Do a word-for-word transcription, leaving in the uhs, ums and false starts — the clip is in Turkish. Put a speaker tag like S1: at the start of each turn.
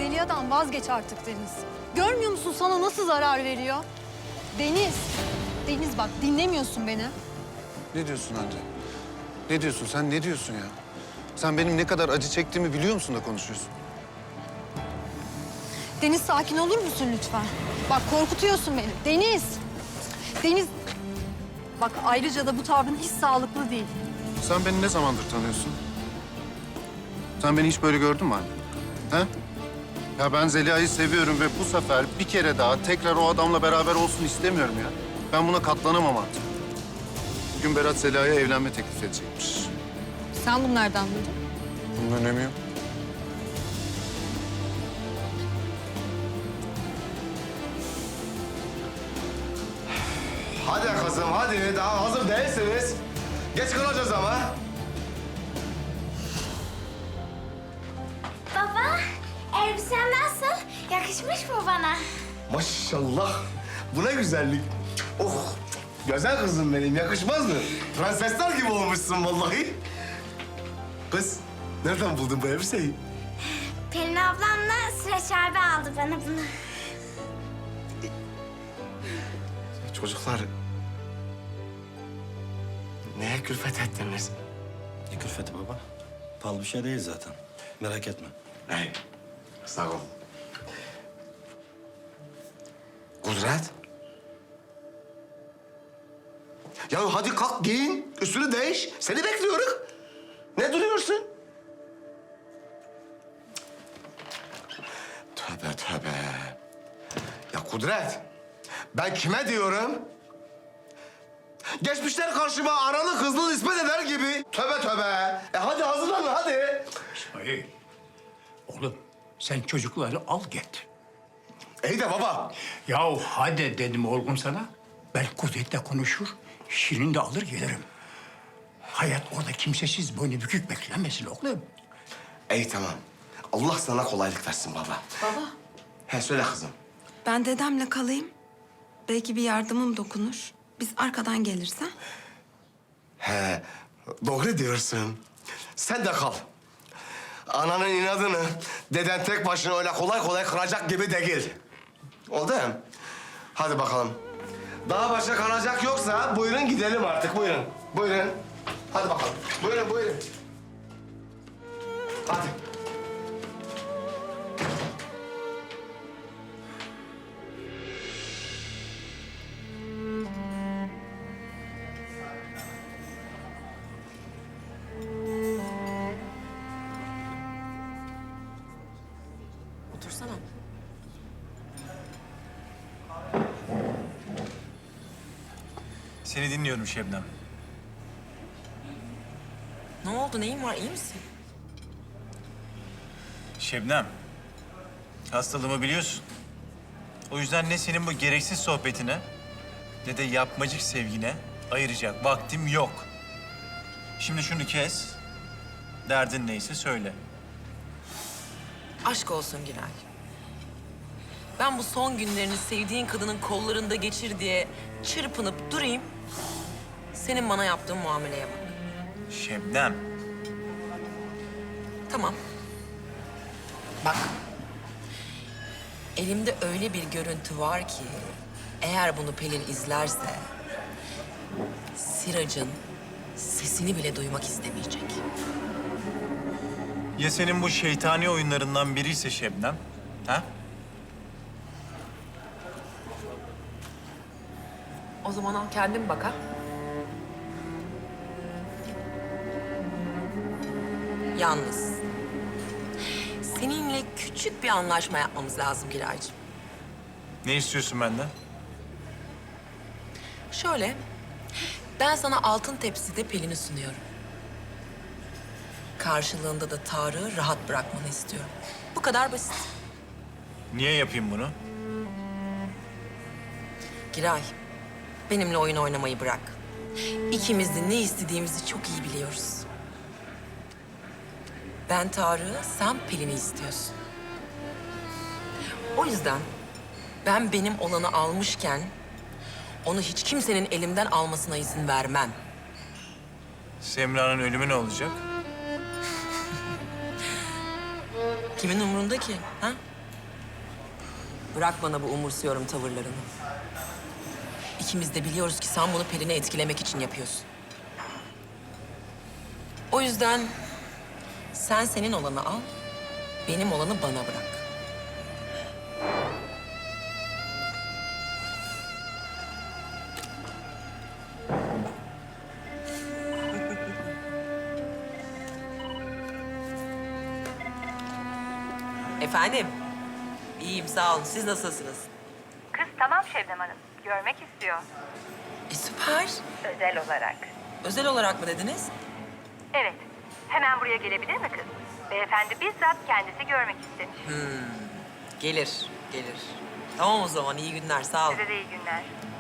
S1: Zeliha'dan vazgeç artık Deniz. Görmüyor musun sana nasıl zarar veriyor? Deniz, Deniz bak dinlemiyorsun beni.
S2: Ne diyorsun anne? Ne diyorsun? Sen ne diyorsun ya? Sen benim ne kadar acı çektiğimi biliyor musun da konuşuyorsun?
S1: Deniz sakin olur musun lütfen? Bak korkutuyorsun beni. Deniz, Deniz. Bak ayrıca da bu tavrın hiç sağlıklı değil.
S2: Sen beni ne zamandır tanıyorsun? Sen beni hiç böyle gördün mü anne? He? Ya ben Zeliha'yı seviyorum ve bu sefer bir kere daha tekrar o adamla beraber olsun istemiyorum ya. Ben buna katlanamam artık. Bugün Berat Zeliha'ya evlenme teklif edecekmiş.
S1: Sen bunu nereden duydun?
S2: Bunun önemi yok.
S3: Hadi kızım hadi daha hazır değilsiniz. Geç kalacağız ama.
S4: Baba, elbisen nasıl? Yakışmış mı bana?
S3: Maşallah. Bu ne güzellik. Oh güzel kızım benim yakışmaz mı? Prensesler gibi olmuşsun vallahi. Kız nereden buldun bu elbiseyi?
S4: Pelin ablamla Sıraç abi aldı bana bunu.
S3: Çocuklar neye külfet ettiniz?
S5: Ne külfeti baba? Pahalı bir şey değil zaten. Merak etme.
S3: Hey, sağ ol. Kudret. Ya hadi kalk giyin, üstünü değiş. Seni bekliyoruz. Ne duruyorsun? Tövbe tövbe. Ya Kudret, ben kime diyorum? Geçmişler karşıma analı kızlı nispet eder gibi. Tövbe tövbe. E hadi hazırlan hadi.
S6: İsmail, oğlum sen çocukları al git.
S3: İyi de baba.
S6: Yahu hadi dedim oğlum sana. Ben Kudret'le konuşur, Şirin de alır gelirim. Hayat orada kimsesiz, boynu bükük beklemesin oğlum.
S3: İyi tamam. Allah sana kolaylık versin baba.
S7: Baba,
S3: He söyle kızım.
S7: ben dedemle kalayım. Belki bir yardımım dokunur. Biz arkadan gelirse.
S3: He doğru diyorsun. Sen de kal. Ananın inadını deden tek başına öyle kolay kolay kıracak gibi değil. Oldu mu? Hadi bakalım. Daha başka kalacak yoksa buyurun gidelim artık buyurun. Buyurun. Hadi bakalım. Buyurun buyurun. Hadi.
S8: Otursana.
S9: Seni dinliyorum Şebnem.
S8: Ne oldu? Neyin var? İyi misin?
S9: Şebnem, hastalığımı biliyorsun. O yüzden ne senin bu gereksiz sohbetine ne de yapmacık sevgine ayıracak vaktim yok. Şimdi şunu kes, derdin neyse söyle.
S8: Aşk olsun Giray. Ben bu son günlerini sevdiğin kadının kollarında geçir diye çırpınıp durayım. Senin bana yaptığın muameleye bak.
S9: Şebnem,
S8: Tamam. Bak. Elimde öyle bir görüntü var ki... eğer bunu Pelin izlerse... Sirac'ın sesini bile duymak istemeyecek.
S9: ya senin bu şeytani oyunlarından biriyse Şebnem, ha?
S8: O zaman al kendin bak ha. Yalnız seninle küçük bir anlaşma yapmamız lazım Giraycığım.
S9: Ne istiyorsun benden?
S8: Şöyle, ben sana altın tepside Pelin'i sunuyorum. Karşılığında da Tarık'ı rahat bırakmanı istiyorum. Bu kadar basit.
S9: Niye yapayım bunu?
S8: Giray, benimle oyun oynamayı bırak. İkimiz de ne istediğimizi çok iyi biliyoruz. Ben Tarık'ı, sen Pelin'i istiyorsun. O yüzden ben benim olanı almışken... onu hiç kimsenin elimden almasına izin vermem.
S9: Semra'nın ölümü ne olacak?
S8: Kimin umurunda ki? Ha? Bırak bana bu umursuyorum tavırlarını. İkimiz de biliyoruz ki sen bunu Pelin'i etkilemek için yapıyorsun. O yüzden sen senin olanı al, benim olanı bana bırak. Efendim? İyiyim, sağ olun. Siz nasılsınız?
S10: Kız tamam Şebnem Hanım. Görmek istiyor.
S8: E, süper.
S10: Özel olarak.
S8: Özel olarak mı dediniz?
S10: Evet. Hemen buraya gelebilir mi kız? Beyefendi bizzat kendisi görmek istemiş.
S8: Gelir, gelir. Tamam o zaman, iyi günler, sağ olun.
S10: Size de iyi günler.